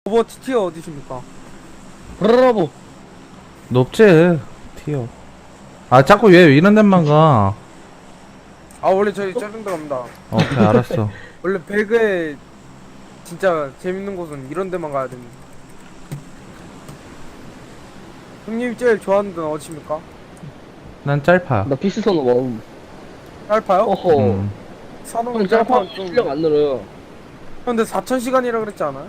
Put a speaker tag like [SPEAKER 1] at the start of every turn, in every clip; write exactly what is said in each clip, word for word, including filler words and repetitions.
[SPEAKER 1] 오버워치 티어 어디십니까?
[SPEAKER 2] 브라보.
[SPEAKER 3] 높지 티어. 아 자꾸 왜 이런 데만 가.
[SPEAKER 1] 아 원래 저희 짜증 들어갑니다.
[SPEAKER 3] 오케이 알았어.
[SPEAKER 1] 원래 배그에 진짜 재밌는 곳은 이런 데만 가야 됩니다. 형님이 제일 좋아하는 데는 어디십니까?
[SPEAKER 3] 난 짤파.
[SPEAKER 2] 나 피스톤 원.
[SPEAKER 1] 짤파요?
[SPEAKER 2] 어허.
[SPEAKER 3] 음.
[SPEAKER 1] 사는
[SPEAKER 2] 형
[SPEAKER 1] 짤파
[SPEAKER 2] 짤파
[SPEAKER 1] 좀.
[SPEAKER 2] 실력 안 늘어요.
[SPEAKER 1] 근데 사천 시간이라 그랬지 않아요?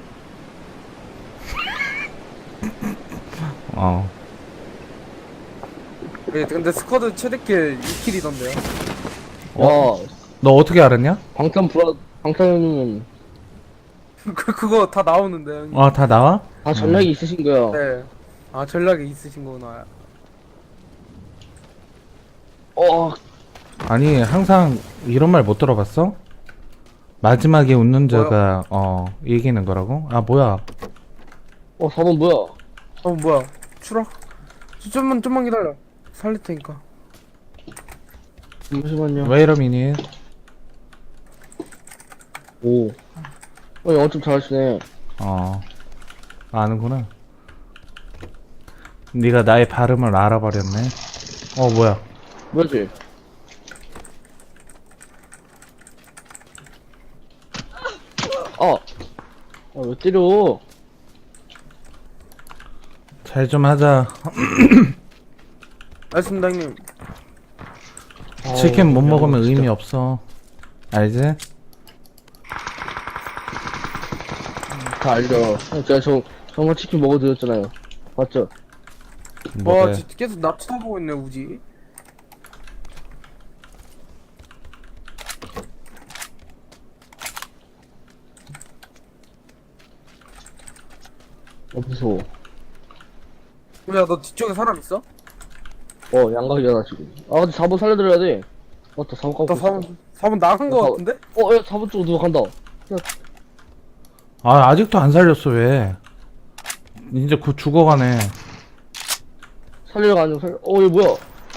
[SPEAKER 3] 어.
[SPEAKER 1] 예, 근데 스쿼드 최대킬 이 킬이던데요.
[SPEAKER 3] 어?
[SPEAKER 2] 야,
[SPEAKER 3] 너 어떻게 알았냐?
[SPEAKER 2] 방탄 브라, 방탄은
[SPEAKER 1] 그 그거 다 나오는데 형님.
[SPEAKER 3] 아 다 나와?
[SPEAKER 2] 다 전략이 있으신 거야.
[SPEAKER 1] 네. 아 전략이 있으신 거구나.
[SPEAKER 2] 어,
[SPEAKER 3] 아니 항상 이런 말 못 들어봤어? 마지막에 웃는 자가 어 이기는 거라고? 아 뭐야?
[SPEAKER 2] 어, 사 번 뭐야?
[SPEAKER 1] 어 뭐야? 추락? 좀만 좀만 기다려. 살릴 테니까.
[SPEAKER 2] 잠시만요.
[SPEAKER 3] 왜 이러미니?
[SPEAKER 2] 오. 어, 영어 좀 잘하시네.
[SPEAKER 3] 어 아는구나. 네가 나의 발음을 알아버렸네. 어 뭐야?
[SPEAKER 2] 뭐지? 아, 아, 왜 때려?
[SPEAKER 3] 잘 좀 하자.
[SPEAKER 1] 알겠습니다 형님.
[SPEAKER 3] 치킨 못
[SPEAKER 2] 아우,
[SPEAKER 3] 먹으면
[SPEAKER 2] 야, 진짜.
[SPEAKER 3] 의미 없어. 알지?
[SPEAKER 2] 다 알죠. 형, 제가 저, 정말 치킨 먹어드렸잖아요. 맞죠?
[SPEAKER 1] 와
[SPEAKER 3] 뭐래?
[SPEAKER 1] 진짜 계속 나 쳐다보고 있네 우지.
[SPEAKER 2] 어, 무서워.
[SPEAKER 1] 야 너 뒤쪽에 사람 있어?
[SPEAKER 2] 어, 양각이잖아, 지금. 아, 근데 사 번 살려드려야 돼. 맞다, 사 번 까고
[SPEAKER 1] 나
[SPEAKER 2] 있어.
[SPEAKER 1] 사 번 사 번 나간 거
[SPEAKER 2] 사 번.
[SPEAKER 1] 같은데?
[SPEAKER 2] 어, 야, 사 번 쪽으로 누가 간다.
[SPEAKER 3] 아 아직도 안 살렸어 왜? 이제 곧 죽어가네.
[SPEAKER 2] 살리러 가는 살, 어, 얘 뭐야?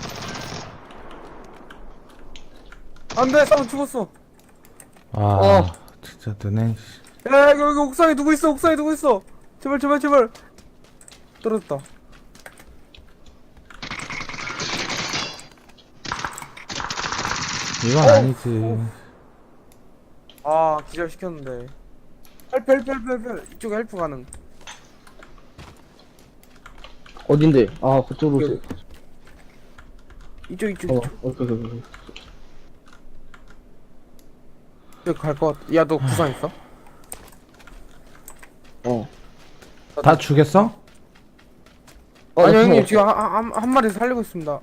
[SPEAKER 1] 안돼 사 번 죽었어.
[SPEAKER 3] 아
[SPEAKER 2] 어.
[SPEAKER 3] 진짜 너네.
[SPEAKER 1] 야 여기, 여기 옥상에 누구 있어? 옥상에 누구 있어? 제발 제발 제발. 떨어졌다.
[SPEAKER 3] 이건 아니지.
[SPEAKER 1] 아 기절 시켰는데. 헬프 헬프 헬프 헬프 이쪽에 헬프 가능.
[SPEAKER 2] 어딘데? 아, 그쪽으로 오세요.
[SPEAKER 1] 이쪽 이쪽
[SPEAKER 2] 어,
[SPEAKER 1] 이쪽.
[SPEAKER 2] 오케이, 오케이, 오케이.
[SPEAKER 1] 이쪽 갈것 같아. 야너 구상 있어?
[SPEAKER 2] 어.
[SPEAKER 3] 다 죽였어?
[SPEAKER 2] 어,
[SPEAKER 1] 아니
[SPEAKER 2] 나
[SPEAKER 1] 형님
[SPEAKER 2] 상관없어.
[SPEAKER 1] 지금 한, 한, 한 마리 살리고 있습니다.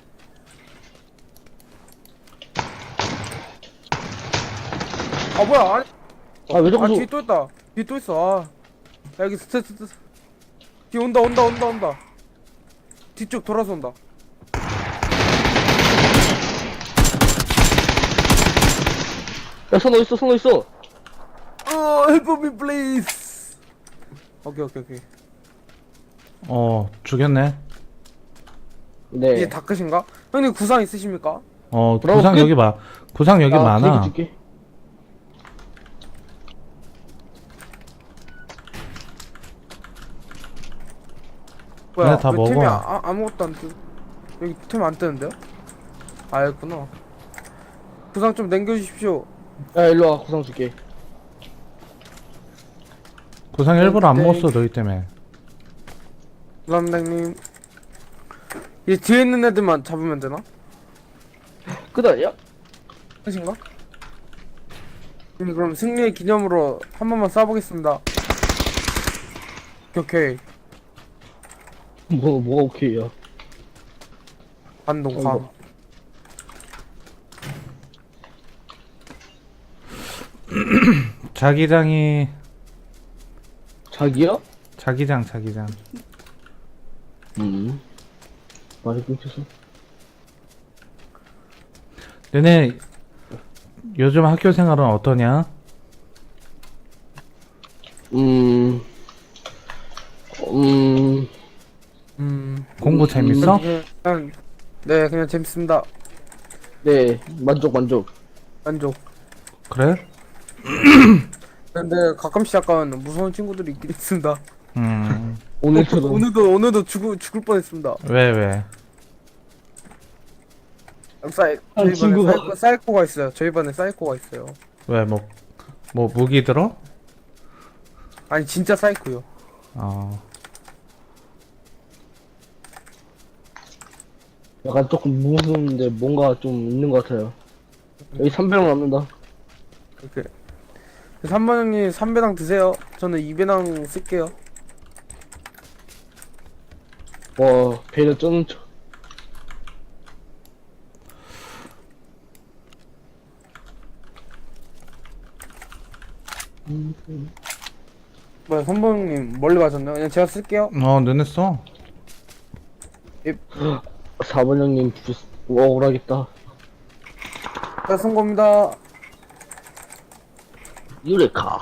[SPEAKER 1] 아 뭐야? 아니,
[SPEAKER 2] 아, 왜
[SPEAKER 1] 아
[SPEAKER 2] 자꾸
[SPEAKER 1] 뒤에 또 있다. 뒤에 또 있어. 아. 야 여기 스트 스트. 뒤에 온다 온다 온다 온다. 뒤쪽 돌아서 온다.
[SPEAKER 2] 야, 손 어딨어, 손 어딨어?
[SPEAKER 1] 어, help me please. 오케이 오케이 오케이.
[SPEAKER 3] 어 죽였네.
[SPEAKER 2] 네.
[SPEAKER 1] 이제 다 끝인가? 형님 구상 있으십니까?
[SPEAKER 3] 어
[SPEAKER 2] 브라보
[SPEAKER 3] 구상
[SPEAKER 2] 끝?
[SPEAKER 3] 여기 봐. 구상 여기
[SPEAKER 2] 아,
[SPEAKER 3] 많아.
[SPEAKER 2] 줄게, 줄게.
[SPEAKER 1] 뭐야?
[SPEAKER 3] 그래, 다
[SPEAKER 1] 왜
[SPEAKER 3] 먹어.
[SPEAKER 1] 템이 아, 아무것도 안 뜨. 여기 템 안 뜨는데요? 아 여기구나. 구상 좀 남겨주십시오.
[SPEAKER 2] 야, 일로 와, 구상 줄게.
[SPEAKER 3] 구상 일부러 안
[SPEAKER 1] 네.
[SPEAKER 3] 먹었어 너희 때문에.
[SPEAKER 1] 감사합니다 형님. 이 뒤에 있는 애들만 잡으면 되나?
[SPEAKER 2] 끝 아니야?
[SPEAKER 1] 끝인가? 형님 그럼 승리의 기념으로 한 번만 쏴보겠습니다. 오케이 오케이.
[SPEAKER 2] 뭐, 뭐가 오케이야.
[SPEAKER 1] 반동
[SPEAKER 2] 어이구.
[SPEAKER 1] 감.
[SPEAKER 3] 자기장이
[SPEAKER 2] 자기야?
[SPEAKER 3] 자기장 자기장.
[SPEAKER 2] 음. 말이 끊겼어.
[SPEAKER 3] 너네 요즘 학교 생활은 어떠냐?
[SPEAKER 2] 음. 음.
[SPEAKER 1] 음.
[SPEAKER 3] 공부 재밌어?
[SPEAKER 1] 그냥 네 그냥 재밌습니다.
[SPEAKER 2] 네, 만족, 만족.
[SPEAKER 1] 만족.
[SPEAKER 3] 그래?
[SPEAKER 1] 근데 가끔씩 약간 무서운 친구들이 있긴 있습니다.
[SPEAKER 3] 음,
[SPEAKER 2] 오늘처럼.
[SPEAKER 1] 오늘도 오늘도 죽을 죽을 뻔했습니다.
[SPEAKER 3] 왜, 왜?
[SPEAKER 1] 사이
[SPEAKER 2] 아니,
[SPEAKER 1] 저희 반에
[SPEAKER 2] 친구가-
[SPEAKER 1] 사이코, 사이코가 있어요. 저희 반에 사이코가 있어요.
[SPEAKER 3] 왜, 뭐, 뭐, 무기 들어?
[SPEAKER 1] 아니 진짜 사이코요.
[SPEAKER 3] 어,
[SPEAKER 2] 약간 조금 무서운데 뭔가 좀 있는 것 같아요. 여기 삼 명 남는다.
[SPEAKER 1] 이렇게. 삼 번 형님 삼 배당 드세요. 저는 이 배당 쓸게요.
[SPEAKER 2] 와, 배를 쩌는 척.
[SPEAKER 1] 뭐야 삼 번 형님 멀리 가셨나요? 그냥 제가 쓸게요.
[SPEAKER 3] 어, 눈에 써.
[SPEAKER 2] 사 번 형님, 부, 억울하겠다.
[SPEAKER 1] 제가 쓴 겁니다.
[SPEAKER 2] 유레카.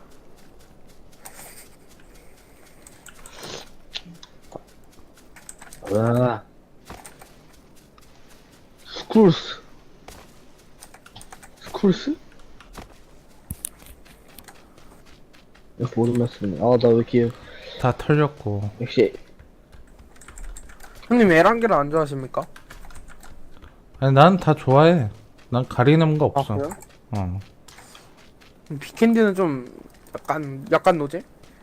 [SPEAKER 2] 와. 스쿨스. 스쿨스? 이렇게 모든 말씀이네. 아, 나 왜 이렇게,
[SPEAKER 3] 다 털렸고.
[SPEAKER 2] 역시,
[SPEAKER 1] 형님 에란게를 안 좋아하십니까?
[SPEAKER 3] 아니, 난 다 좋아해. 난 가리는 거
[SPEAKER 1] 아
[SPEAKER 3] 없어.
[SPEAKER 1] 그래요?
[SPEAKER 3] 어.
[SPEAKER 1] 비캔디는 좀 약간 약간 노제?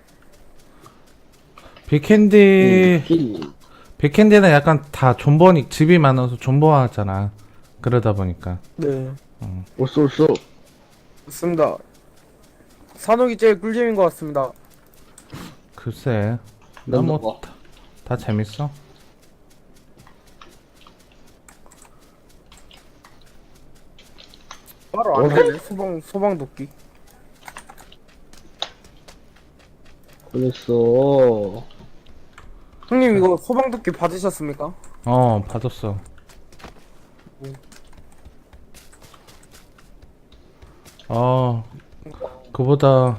[SPEAKER 3] 빅캔디,
[SPEAKER 2] 힐.
[SPEAKER 3] 빅캔디는 약간 다 존버니, 집이 많아서 존버하잖아. 그러다 보니까.
[SPEAKER 1] 네.
[SPEAKER 2] 올쏘, 올쏘.
[SPEAKER 1] 맞습니다. 산옥이 제일 꿀잼인 것 같습니다.
[SPEAKER 3] 글쎄. 나
[SPEAKER 2] 난
[SPEAKER 3] 뭐,
[SPEAKER 2] 뭐.
[SPEAKER 3] 다, 다 재밌어.
[SPEAKER 1] 바로 안 되네. 소방 소방 도끼.
[SPEAKER 2] 그랬어.
[SPEAKER 1] 형님 이거 소방 도끼 받으셨습니까?
[SPEAKER 3] 어, 받았어. 어, 그보다,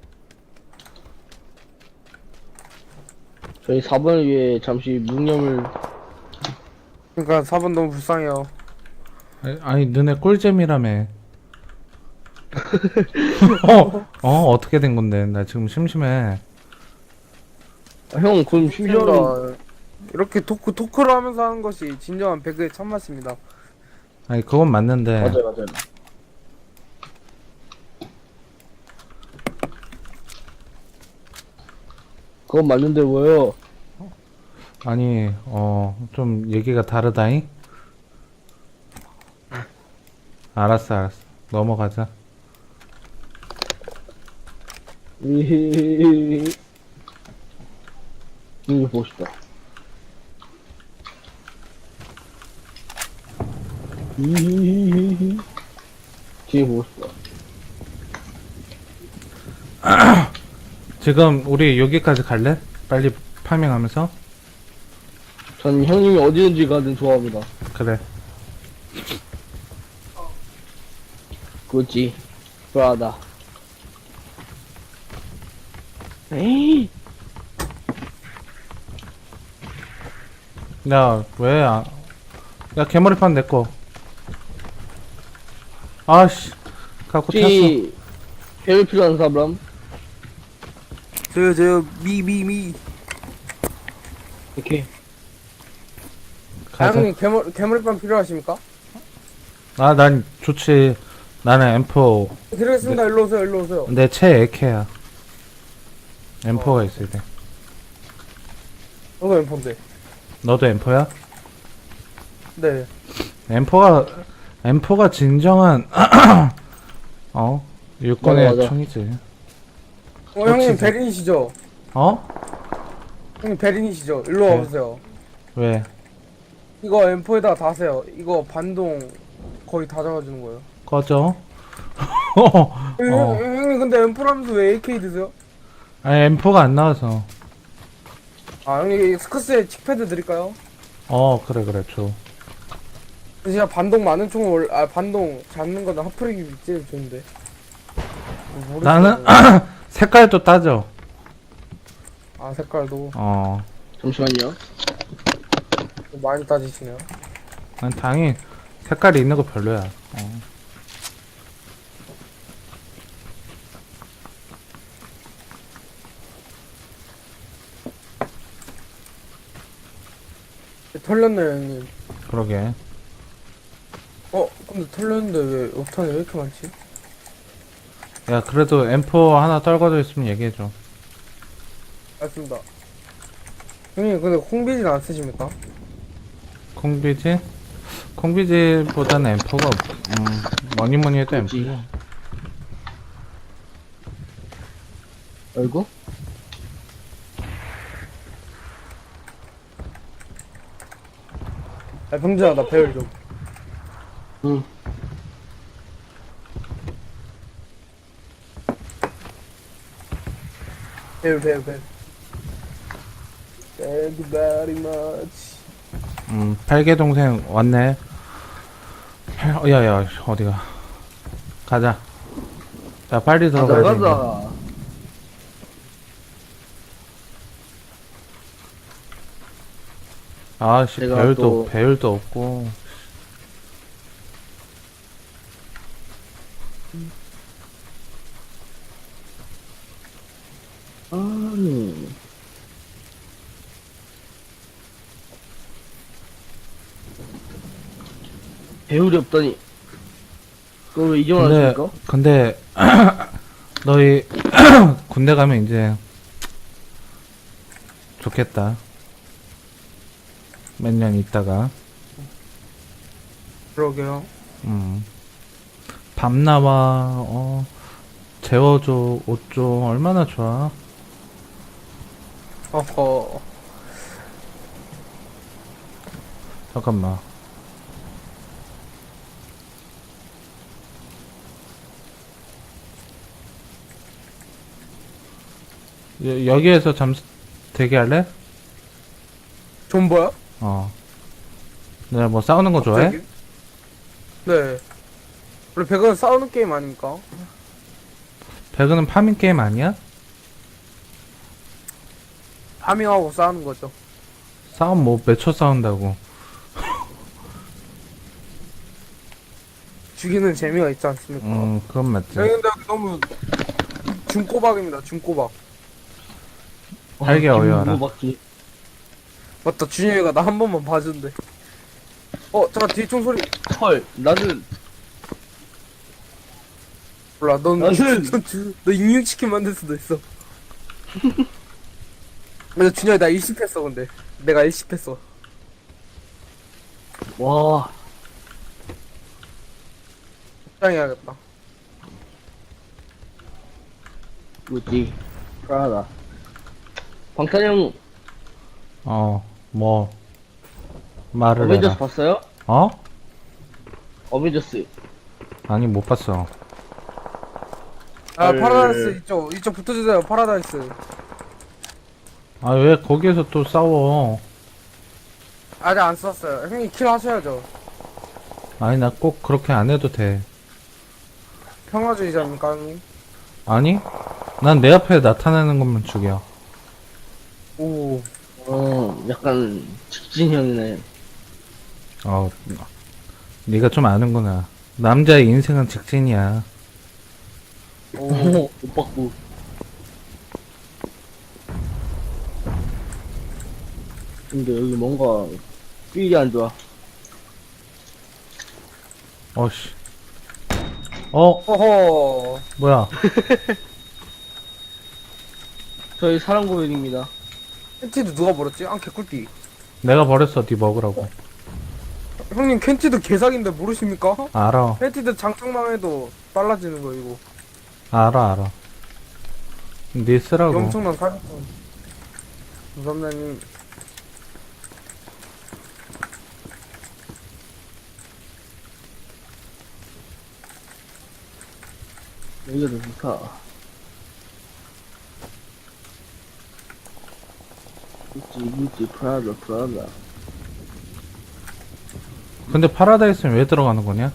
[SPEAKER 2] 저희 사 번을 위해 잠시 묵념을.
[SPEAKER 1] 그러니까 사 번 너무 불쌍해요.
[SPEAKER 3] 아니, 아니 눈에 꿀잼이라며. 어, 어, 어떻게 된 건데? 나 지금 심심해.
[SPEAKER 2] 아, 형, 그럼 심지어는.
[SPEAKER 1] 그러니까 이렇게 토크 토크를 하면서 하는 것이 진정한 배그의 참맛입니다.
[SPEAKER 3] 아니, 그건 맞는데.
[SPEAKER 2] 맞아요, 맞아요. 그건 맞는데 뭐예요?
[SPEAKER 3] 아니, 어, 좀 얘기가 다르다잉? 알았어, 알았어. 넘어가자.
[SPEAKER 2] 이거 보고 싶다. 뒤에 보고 싶다.
[SPEAKER 3] 지금 우리 여기까지 갈래? 빨리 파밍하면서?
[SPEAKER 2] 전 형님이 어디든지 가든 좋아합니다.
[SPEAKER 3] 그래.
[SPEAKER 2] 그렇지. 브라다. 에이.
[SPEAKER 3] 야, 왜, 아, 야, 개머리판 내꺼. 아씨, 갖고 탔어.
[SPEAKER 2] 혹시 배를 필요한 사람?
[SPEAKER 1] 저요 저요 미미미.
[SPEAKER 2] 이렇게.
[SPEAKER 3] 가자.
[SPEAKER 1] 형님 개머리 개머리빵 필요하십니까?
[SPEAKER 3] 아, 난 좋지. 나는 엠포,
[SPEAKER 1] 드리겠습니다. 일로 오세요. 일로 오세요.
[SPEAKER 3] 내 최애캐야. 엠포가 있어야 돼.
[SPEAKER 1] 저도 엠폰데.
[SPEAKER 3] 너도 엠포야?
[SPEAKER 1] 네.
[SPEAKER 3] 엠포가, 엠포가 진정한, 어? 육군의
[SPEAKER 2] 맞아, 맞아.
[SPEAKER 3] 총이지.
[SPEAKER 1] 어 형님
[SPEAKER 3] 진짜.
[SPEAKER 1] 베린이시죠?
[SPEAKER 3] 어?
[SPEAKER 1] 형님 베린이시죠? 일로
[SPEAKER 3] 네.
[SPEAKER 1] 와보세요.
[SPEAKER 3] 왜?
[SPEAKER 1] 이거 엠포에다가 다세요. 이거 반동 거의 다 잡아주는 거예요.
[SPEAKER 3] 꺼져? 어.
[SPEAKER 1] 형, 형, 형님 근데 엠포라면서 왜 에이케이 드세요?
[SPEAKER 3] 아니, 엠포가 안 나와서.
[SPEAKER 1] 아 형님 스커스에 칙패드 드릴까요?
[SPEAKER 3] 어, 그래, 그래, 줘.
[SPEAKER 1] 진짜 반동 많은 총을 올, 아 반동 잡는 거는 하프릭이 제일 좋은데. 모르겠어요.
[SPEAKER 3] 나는, 색깔도 따져.
[SPEAKER 1] 아 색깔도
[SPEAKER 3] 어.
[SPEAKER 2] 잠시만요.
[SPEAKER 1] 많이 따지시네요.
[SPEAKER 3] 난 당연히 색깔이 있는 거 별로야. 어.
[SPEAKER 1] 털렸네 형님.
[SPEAKER 3] 그러게.
[SPEAKER 1] 어 근데 털렸는데 왜 옥탄이 왜 이렇게 많지?
[SPEAKER 3] 야, 그래도 엠포 하나 떨궈져 있으면 얘기해줘.
[SPEAKER 1] 알겠습니다. 형님 근데 콩비진 안 쓰십니까?
[SPEAKER 3] 콩비지? 콩비지보다는 엠포가, 음, 뭐니 뭐니 해도 엠포.
[SPEAKER 2] 그치. 아이고.
[SPEAKER 1] 야 병준아 나 배열 좀.
[SPEAKER 2] 응.
[SPEAKER 1] 배열 배열 배열. Thank you very much.
[SPEAKER 3] 음, 팔개 동생 왔네. 팔- 어, 야, 야, 어디가. 가자. 야, 빨리
[SPEAKER 2] 가자,
[SPEAKER 3] 들어가야 돼.
[SPEAKER 2] 가자.
[SPEAKER 3] 아씨,
[SPEAKER 2] 제가
[SPEAKER 3] 배율도,
[SPEAKER 2] 또-
[SPEAKER 3] 배율도 없고.
[SPEAKER 2] 아니. 배울이 없다니. 그걸 왜 이제
[SPEAKER 3] 근데,
[SPEAKER 2] 말하십니까?
[SPEAKER 3] 근데, 너희, 군대 가면 이제, 좋겠다. 몇 년 있다가,
[SPEAKER 1] 그러게요.
[SPEAKER 3] 음. 밥 나와, 어, 재워줘, 옷 줘, 얼마나 좋아.
[SPEAKER 1] 어허.
[SPEAKER 3] 잠깐만. 여, 여기에서 잠시 대기할래?
[SPEAKER 1] 존버야?
[SPEAKER 3] 어. 내가 뭐 싸우는 거 좋아해?
[SPEAKER 1] 갑자기? 네. 우리 배그는 싸우는 게임 아닙니까?
[SPEAKER 3] 배그는 파밍 게임 아니야?
[SPEAKER 1] 파밍하고 싸우는 거죠.
[SPEAKER 3] 싸움 뭐 몇 초 싸운다고.
[SPEAKER 1] 죽이는 재미가 있지 않습니까?
[SPEAKER 3] 음, 그건 맞지.
[SPEAKER 1] 형님 근데 여기 너무 중꼬박입니다. 중꼬박.
[SPEAKER 3] 알게 어여라.
[SPEAKER 2] 맞지.
[SPEAKER 1] 맞다. 준영이가 나 한 번만 봐준대. 어 잠깐 뒤에 총소리.
[SPEAKER 2] 헐, 나는,
[SPEAKER 1] 몰라. 넌,
[SPEAKER 2] 나는-
[SPEAKER 1] 넌 주- 너 익육치킨 만들 수도 있어. 근데 준영이 나 일십했어 근데. 내가 일십했어.
[SPEAKER 2] 와,
[SPEAKER 1] 적당해야겠다.
[SPEAKER 2] 뭐지? 프라다. 방탄형
[SPEAKER 3] 어, 뭐, 말을
[SPEAKER 2] 어벤져스
[SPEAKER 3] 해라.
[SPEAKER 2] 봤어요?
[SPEAKER 3] 어?
[SPEAKER 2] 어벤져스.
[SPEAKER 3] 아니, 못 봤어.
[SPEAKER 1] 아
[SPEAKER 2] 헐.
[SPEAKER 1] 파라다이스 이쪽 이쪽 붙어주세요. 파라다이스.
[SPEAKER 3] 아, 왜 거기에서 또 싸워?
[SPEAKER 1] 아직 안 썼어요. 형님 킬 하셔야죠.
[SPEAKER 3] 아니, 나 꼭 그렇게 안 해도 돼.
[SPEAKER 1] 평화주의자입니까 형님?
[SPEAKER 3] 아니? 난 내 앞에 나타나는 것만 죽여.
[SPEAKER 1] 오.
[SPEAKER 2] 어, 약간 직진형이네.
[SPEAKER 3] 어, 네가 좀 아는구나. 남자의 인생은 직진이야.
[SPEAKER 1] 오.
[SPEAKER 2] 오, 못 받고. 근데 여기 뭔가 필이 안 좋아.
[SPEAKER 3] 어씨. 어,
[SPEAKER 1] 허허.
[SPEAKER 3] 뭐야.
[SPEAKER 2] 저희 사랑 고백입니다.
[SPEAKER 1] 캔티도 누가 버렸지? 아 개꿀띠.
[SPEAKER 3] 내가 버렸어, 네 먹으라고.
[SPEAKER 1] 형님 캔티도 개사기인데 모르십니까?
[SPEAKER 3] 알아.
[SPEAKER 1] 캔티도 장착만 해도 빨라지는 거 이거.
[SPEAKER 3] 알아, 알아. 네 쓰라고.
[SPEAKER 1] 엄청난 사기꾼. 감사합니다 형님.
[SPEAKER 2] 여기가 더 좋다. 구찌, 구찌, 프라다, 프라다.
[SPEAKER 3] 근데 파라다이스는 왜 들어가는 거냐?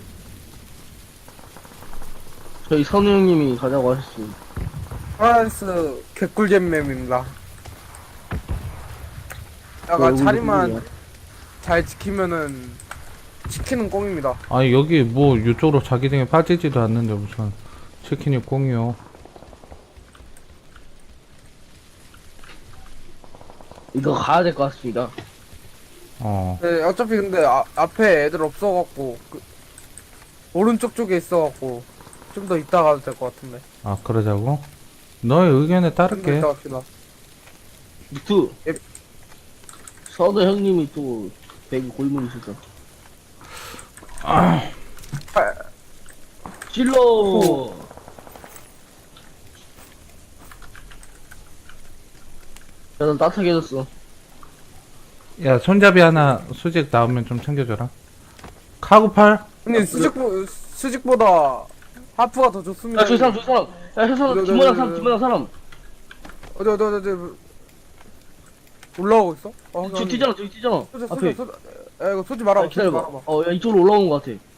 [SPEAKER 2] 저희 선우 형님이 가자고 하셨습니다.
[SPEAKER 1] 파라다이스 개꿀잼 맵입니다. 약간
[SPEAKER 2] 얼굴이
[SPEAKER 1] 자리만
[SPEAKER 2] 보이네요.
[SPEAKER 1] 잘 지키면은 치킨은 꽁입니다.
[SPEAKER 3] 아니, 여기 뭐 이쪽으로 자기 등에 빠지지도 않는데 무슨 치킨이 꽁이요.
[SPEAKER 2] 이거 가야 될 것 같습니다.
[SPEAKER 3] 어.
[SPEAKER 1] 네, 어차피 근데 아, 앞에 애들 없어갖고 그, 오른쪽 쪽에 있어갖고 좀 더 이따 가도 될 것 같은데.
[SPEAKER 3] 아, 그러자고? 너의 의견에
[SPEAKER 1] 좀 더
[SPEAKER 3] 따를게.
[SPEAKER 1] 이따 갑시다.
[SPEAKER 2] 그
[SPEAKER 1] 예.
[SPEAKER 2] 서도 형님이 또 배그 골문이시죠.
[SPEAKER 1] 아,
[SPEAKER 2] 찔러. 야넌 따뜻하게 해줬어.
[SPEAKER 3] 야, 손잡이 하나 수직 나오면 좀 챙겨줘라. 카구팔?
[SPEAKER 1] 근데 수직 수직보다 하프가 더 좋습니다.
[SPEAKER 2] 야 저기 사람 저기 사람. 야 저 사람
[SPEAKER 1] 네, 네,
[SPEAKER 2] 뒷모양
[SPEAKER 1] 네,
[SPEAKER 2] 사람
[SPEAKER 1] 네.
[SPEAKER 2] 뒷모양 사람.
[SPEAKER 1] 어디 어디 어디 어디 올라오고 있어? 어,
[SPEAKER 2] 저기 뛰잖아 저기 뛰잖아.
[SPEAKER 1] 쏘지
[SPEAKER 2] 앞에.
[SPEAKER 1] 쏘지 쏘지. 야 이거 쏘지 말아.
[SPEAKER 2] 아,
[SPEAKER 1] 쏘지
[SPEAKER 2] 기다려봐.
[SPEAKER 1] 말아봐.
[SPEAKER 2] 어 야 이쪽으로 올라온 것 같아.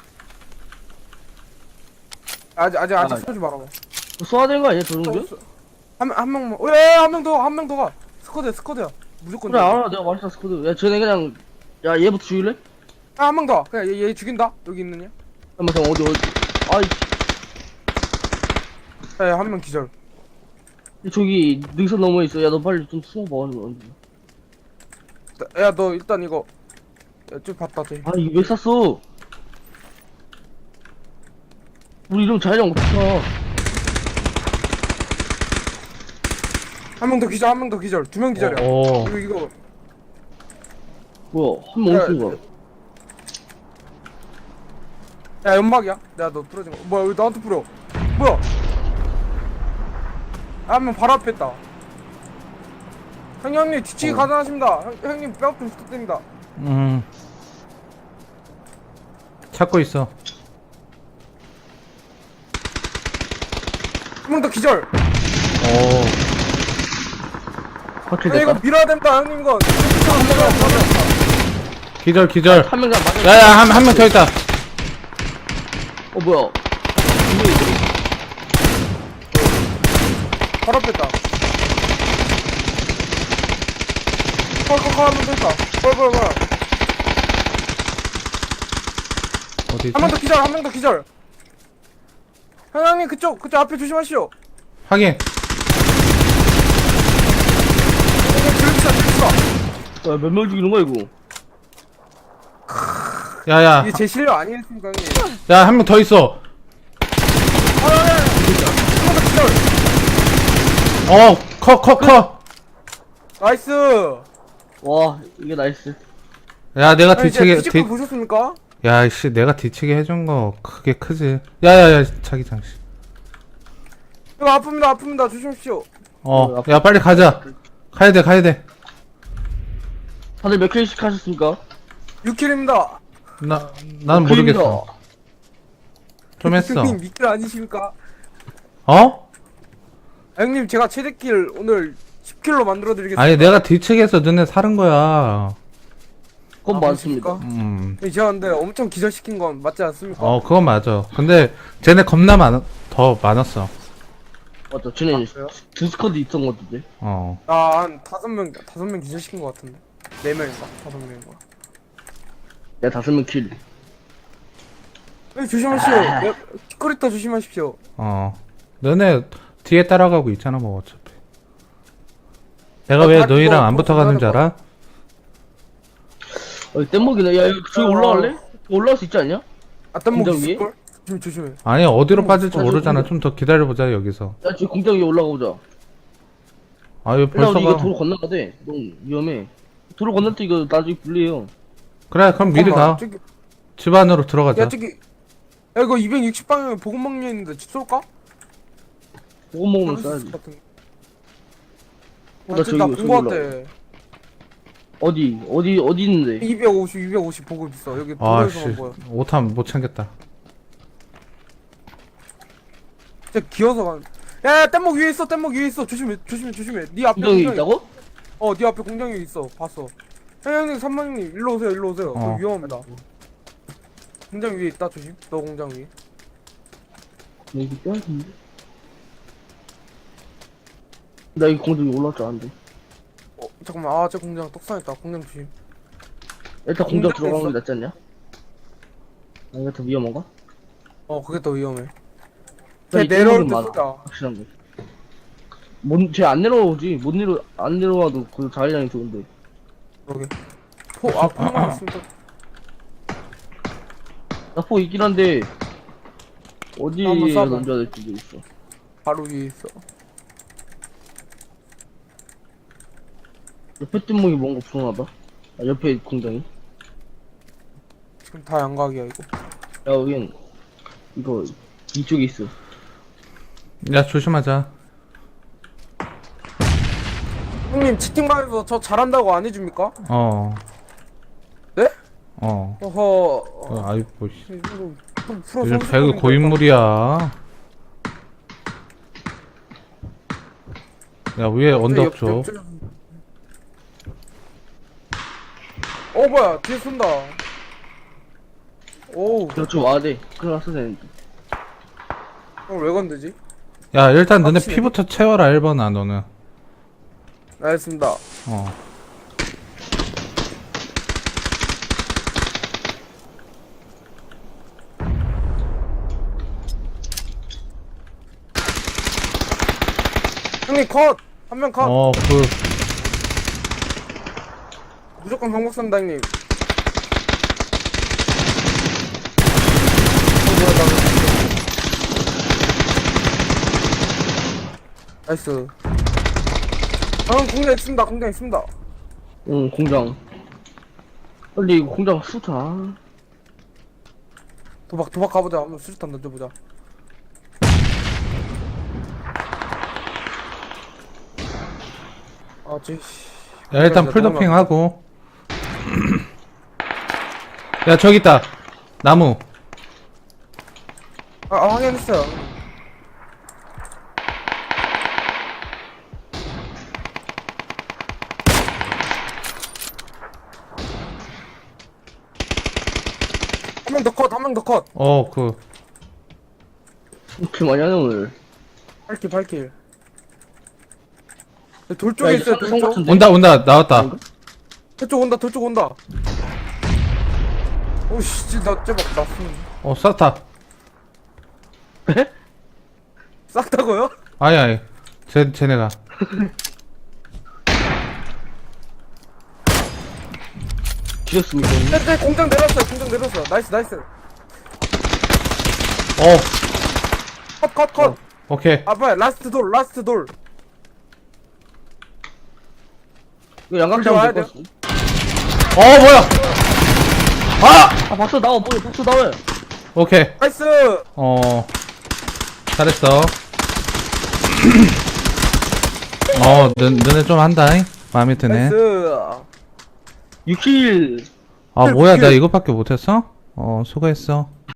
[SPEAKER 1] 아직 아직 아직
[SPEAKER 2] 아,
[SPEAKER 1] 쏘지 말아봐.
[SPEAKER 2] 쏴야 되는 거 아니야 저 정도?
[SPEAKER 1] 한한 명만. 왜한명 더 한 명 더 가. 스쿼드야 스쿼드야. 무조건.
[SPEAKER 2] 그래 알아 내가 말했잖아 스쿼드. 야 쟤네 그냥 야 얘부터 죽일래?
[SPEAKER 1] 한 명 더. 그냥 얘, 얘 죽인다. 여기 있는 얘.
[SPEAKER 2] 잠깐만 잠깐 어디 어디. 아이
[SPEAKER 1] 야한 명 기절.
[SPEAKER 2] 저기 능선 너머에 있어. 야 너 빨리 좀 숨어봐.
[SPEAKER 1] 야 너 일단 이거. 야, 좀 봤다 쟤.
[SPEAKER 2] 아 이거 왜 쐈어? 우리 이러면 자기장 어떡하.
[SPEAKER 1] 한 명 더 기절 한 명 더 기절. 두 명 기절이야.
[SPEAKER 3] 오.
[SPEAKER 1] 이거 이거.
[SPEAKER 2] 뭐야 한 명
[SPEAKER 1] 야,
[SPEAKER 2] 어디 쓴 거야?
[SPEAKER 1] 야 연막이야? 내가 너 부러진 거. 뭐야 왜 나한테 뿌려? 뭐야? 한 명 바로 앞에 있다. 형님 형님 뒤치기
[SPEAKER 2] 어.
[SPEAKER 1] 가능하십니다. 형, 형님 뼈 좀 부탁드립니다.
[SPEAKER 3] 음. 찾고 있어.
[SPEAKER 1] 한 명 더 기절.
[SPEAKER 3] 오.
[SPEAKER 2] 확실히
[SPEAKER 1] 야, 이거
[SPEAKER 2] 됐다.
[SPEAKER 1] 밀어야 된다 형님 이거.
[SPEAKER 3] 기절, 기절.
[SPEAKER 2] 한 명당 맞아.
[SPEAKER 3] 야, 야, 한, 한 명 더 있다.
[SPEAKER 2] 어 뭐야?
[SPEAKER 1] 바로 앞에 있다. 컬컬컬 한 명 더 있다. 컬컬 컬.
[SPEAKER 3] 어디 있지?
[SPEAKER 1] 한 명 더 기절 한 명 더 기절. 형님 그쪽 그쪽 앞에 조심하시오.
[SPEAKER 3] 확인.
[SPEAKER 1] 들키자 들키자.
[SPEAKER 2] 몇 명 죽이는 거야 이거?
[SPEAKER 3] 야, 야.
[SPEAKER 1] 이게 제 실력 아니겠습니까 형님?
[SPEAKER 3] 야, 한 명 더 있어.
[SPEAKER 1] 한명더 기절.
[SPEAKER 3] 어, 커, 커, 커.
[SPEAKER 1] 나이스.
[SPEAKER 2] 와 이게 나이스.
[SPEAKER 3] 야, 내가
[SPEAKER 1] 아니, 이제
[SPEAKER 3] 뒤치기,
[SPEAKER 1] 뒤집기
[SPEAKER 3] 뒤,
[SPEAKER 1] 보셨습니까?
[SPEAKER 3] 야, 씨, 내가 뒤치기 해준 거 그게 크지. 야, 야, 야, 자기장, 씨.
[SPEAKER 1] 이거 아픕니다 아픕니다 조심하십시오.
[SPEAKER 3] 어, 야, 빨리 가자. 가야 돼, 가야 돼.
[SPEAKER 2] 다들 몇 킬씩 하셨습니까?
[SPEAKER 1] 육 킬입니다.
[SPEAKER 3] 나, 난 모르겠어. 좀 했어.
[SPEAKER 1] 형님 미킬 아니십니까?
[SPEAKER 3] 어?
[SPEAKER 1] 아, 형님 제가 최대 킬 오늘 십 킬로 만들어 드리겠습니다.
[SPEAKER 3] 아니, 내가 뒤치기해서 너네 사는 거야.
[SPEAKER 2] 그건
[SPEAKER 1] 아,
[SPEAKER 2] 맞습니다.
[SPEAKER 1] 그렇습니까?
[SPEAKER 3] 음.
[SPEAKER 1] 제가 근데 엄청 기절시킨 건 맞지 않습니까?
[SPEAKER 3] 어, 그건 맞아. 근데 쟤네 겁나 많, 더 많았어.
[SPEAKER 2] 맞다. 쟤네
[SPEAKER 1] 아, 그래요?
[SPEAKER 2] 두 스쿼드 있던 것 같은데.
[SPEAKER 3] 어.
[SPEAKER 1] 나한 다섯 명 다섯 명 기절시킨 것 같은데. 네 명인가 다섯 명인가.
[SPEAKER 2] 야 다섯 명 킬.
[SPEAKER 1] 네, 조심하시오.
[SPEAKER 2] 아.
[SPEAKER 1] 네, 키코리타 조심하십시오.
[SPEAKER 3] 어. 너네 뒤에 따라가고 있잖아, 뭐, 어차피. 내가
[SPEAKER 1] 아,
[SPEAKER 3] 왜
[SPEAKER 1] 다
[SPEAKER 3] 너희랑
[SPEAKER 1] 그거
[SPEAKER 3] 안
[SPEAKER 1] 그거
[SPEAKER 3] 붙어가는 줄
[SPEAKER 1] 그거
[SPEAKER 3] 알아?
[SPEAKER 2] 어 뗏목이네. 야 여기 저기
[SPEAKER 1] 어.
[SPEAKER 2] 올라갈래? 올라갈 수 있지 않냐?
[SPEAKER 1] 아 딴목
[SPEAKER 2] 공장 위에?
[SPEAKER 1] 있을걸? 조심 조심해.
[SPEAKER 3] 아니, 어디로 빠질지
[SPEAKER 2] 사실
[SPEAKER 3] 모르잖아.
[SPEAKER 2] 근데-
[SPEAKER 3] 좀 더 기다려보자, 여기서.
[SPEAKER 2] 야 저기 공장 위에 올라가 보자.
[SPEAKER 3] 아, 왜
[SPEAKER 2] 일단
[SPEAKER 3] 벌써
[SPEAKER 2] 우리 이거
[SPEAKER 3] 가?
[SPEAKER 2] 도로 건너야 돼. 너무 위험해. 도로 건널 때 이거 나중에 불리해요.
[SPEAKER 3] 그래, 그럼 미리
[SPEAKER 1] 잠깐만,
[SPEAKER 3] 가.
[SPEAKER 1] 저기,
[SPEAKER 3] 집 안으로 들어가자.
[SPEAKER 1] 야 저기 야 이거 이백육십 방향에 보급 막려 있는데 집 쏠까?
[SPEAKER 2] 그거 먹으면
[SPEAKER 1] 그럴 수 있을
[SPEAKER 2] 써야지.
[SPEAKER 1] 것 같은데.
[SPEAKER 2] 어,
[SPEAKER 1] 아,
[SPEAKER 2] 나
[SPEAKER 1] 저기
[SPEAKER 2] 저기
[SPEAKER 1] 나본 거
[SPEAKER 2] 저기
[SPEAKER 1] 같아.
[SPEAKER 2] 어디 어디 어디 있는데?
[SPEAKER 1] 이백오십, 이백오십 보급 있어. 여기
[SPEAKER 3] 아, 씨.
[SPEAKER 1] 도로에서만 보여.
[SPEAKER 3] 오탄 못 챙겼다.
[SPEAKER 1] 진짜 기어서 가. 야, 야, 뗏목 위에 있어. 뗏목 위에 있어. 조심해, 조심해, 조심해. 네 앞에
[SPEAKER 2] 공장이
[SPEAKER 1] 공장이-
[SPEAKER 2] 있다고?
[SPEAKER 1] 어, 네 앞에 공장이 있어. 봤어. 형, 형님, 삼만님, 일로 오세요, 일로 오세요.
[SPEAKER 3] 어.
[SPEAKER 1] 저 위험합니다. 공장 위에 있다, 조심. 너 공장 위에.
[SPEAKER 2] 여기 뼈인데. 나 이 공장 위에 올라갈 줄 알았는데.
[SPEAKER 1] 어, 잠깐만. 아, 저 공장 떡상했다. 공장 조심.
[SPEAKER 2] 일단 공장
[SPEAKER 1] 공장에
[SPEAKER 2] 들어가는
[SPEAKER 1] 있어?
[SPEAKER 2] 게 낫지 않냐? 아 이거 더 위험한가?
[SPEAKER 1] 어, 그게 더 위험해.
[SPEAKER 2] 나
[SPEAKER 1] 쟤
[SPEAKER 2] 이
[SPEAKER 1] 내려올
[SPEAKER 2] 뗏목은
[SPEAKER 1] 때
[SPEAKER 2] 많아.
[SPEAKER 1] 쏘자.
[SPEAKER 2] 확실한 거. 못, 쟤안 내려오지. 못 내려, 안 내려와도 그 자기장이 좋은데.
[SPEAKER 1] 그러게. 포, 아, 포만 있으면 또
[SPEAKER 2] 나포 있긴 한데 어디에
[SPEAKER 1] 한번 쏴봐.
[SPEAKER 2] 던져야 될지 모르겠어.
[SPEAKER 1] 바로 위에 있어.
[SPEAKER 2] 옆에 뜬목이 뭔가 불안하다. 아, 옆에 공장이.
[SPEAKER 1] 지금 다 양각이야, 이거.
[SPEAKER 2] 야, 여긴 이거 이쪽에 있어.
[SPEAKER 3] 야, 조심하자.
[SPEAKER 1] 형님, 채팅방에서 저 잘한다고 안 해줍니까?
[SPEAKER 3] 어.
[SPEAKER 1] 네?
[SPEAKER 3] 어.
[SPEAKER 1] 어허.
[SPEAKER 3] 어, 아이고, 씨.
[SPEAKER 1] 이거 좀 프로
[SPEAKER 3] 요즘
[SPEAKER 1] 선수
[SPEAKER 3] 배그
[SPEAKER 1] 거니까.
[SPEAKER 3] 고인물이야. 야, 위에 언덕
[SPEAKER 1] 옆-
[SPEAKER 3] 쪽.
[SPEAKER 1] 옆줄- 어, 뭐야, 뒤에 쏜다. 오우,
[SPEAKER 2] 저쪽 와야 돼. 큰일 났어, 되는데.
[SPEAKER 1] 형 왜 건드지?
[SPEAKER 3] 야, 일단 너네
[SPEAKER 1] 확실히.
[SPEAKER 3] 피부터 채워라, 일 번아, 너는.
[SPEAKER 1] 알겠습니다.
[SPEAKER 3] 어.
[SPEAKER 1] 형님 컷! 한 명 컷!
[SPEAKER 3] 어, 그,
[SPEAKER 1] 무조건 경복선다 형님. 나이스. 형 공장 있습니다. 공장 있습니다.
[SPEAKER 2] 응, 공장. 빨리 이거 공장 수타.
[SPEAKER 1] 도박 도박 가보자. 한번 수류탄 던져보자. 아, 쟤. 씨.
[SPEAKER 3] 야, 일단
[SPEAKER 1] 공장이다,
[SPEAKER 3] 풀도핑
[SPEAKER 1] 너무
[SPEAKER 3] 하고. 야, 저기 있다. 나무.
[SPEAKER 1] 아, 아 확인했어요. 한 명 더 컷, 한 명 더 컷.
[SPEAKER 3] 어, 그.
[SPEAKER 2] 이렇게 많이 하네, 오늘.
[SPEAKER 1] 팔 킬, 팔 킬. 돌 쪽에
[SPEAKER 2] 야,
[SPEAKER 1] 있어요,
[SPEAKER 2] 이제
[SPEAKER 1] 돌
[SPEAKER 2] 성
[SPEAKER 1] 쪽.
[SPEAKER 2] 같은데?
[SPEAKER 3] 온다, 온다. 나왔다.
[SPEAKER 1] 돌쪽 온다, 돌쪽 온다. 오씨, 나 쟤막 났음.
[SPEAKER 3] 어, 쌌다.
[SPEAKER 1] 쌌다고요?
[SPEAKER 3] 아니, 아니. 쟤, 쟤네가.
[SPEAKER 2] 죽였습니다.
[SPEAKER 1] 네, 네, 공장 내렸어요, 공장 내렸어. 나이스, 나이스.
[SPEAKER 3] 어,
[SPEAKER 1] 컷, 컷, 컷.
[SPEAKER 3] 오케이.
[SPEAKER 1] 아, 뭐야, 라스트 돌, 라스트 돌.
[SPEAKER 2] 이거 양각
[SPEAKER 1] 불
[SPEAKER 2] 잡으면
[SPEAKER 1] 좋아야
[SPEAKER 2] 될것 같아.
[SPEAKER 3] 어, 뭐야! 아!
[SPEAKER 2] 아, 박수 나와, 뭐야, 박수 나와요.
[SPEAKER 3] 오케이.
[SPEAKER 1] 나이스.
[SPEAKER 3] 어, 잘했어. 어, 너, 너네 좀 한다잉? 마음에 드네.
[SPEAKER 1] 나이스.
[SPEAKER 2] 육 킬.
[SPEAKER 3] 아, 뭐야, 나 이것밖에 못했어? 어, 수고했어.